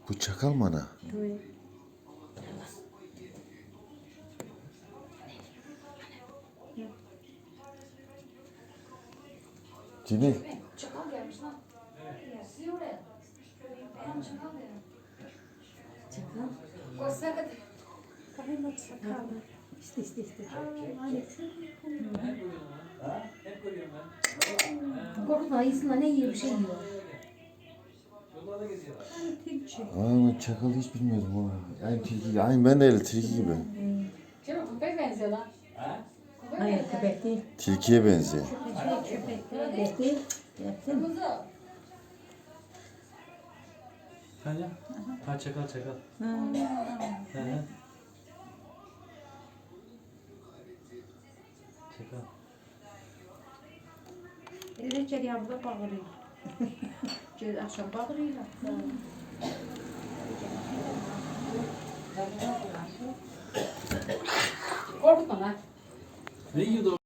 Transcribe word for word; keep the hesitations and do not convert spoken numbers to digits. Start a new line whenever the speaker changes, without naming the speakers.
Bu çakal mı ana?
Evet.
Cemil.
Çakal gelmiş lan. Siz oraya. Ben çakal dedim.
Çakal.
Koşsana.
Bakayım bak çakal. İşte işte işte.
Korkutma iyisin ne yiyor bir şey yiyor.
Tilki.
Aa, çakal hiç bilmiyordum ha. Aynı tilki gibi. Aynı ben de öyle tilki gibi.
Canım köpek benziyor lan. Köpek
Hayır
benziyor.
köpek değil.
Tilkiye benziyor.
Köpek değil. Köpek değil. Yapsın.
Kuzu.
Hani? Ha çakal çakal.
Ha.
Hı hı. Çakal.
Öyle çeriyamda bağırıyor. Cez akşam bağırıyor.
Korkutma lan.
Ne yiyordu o?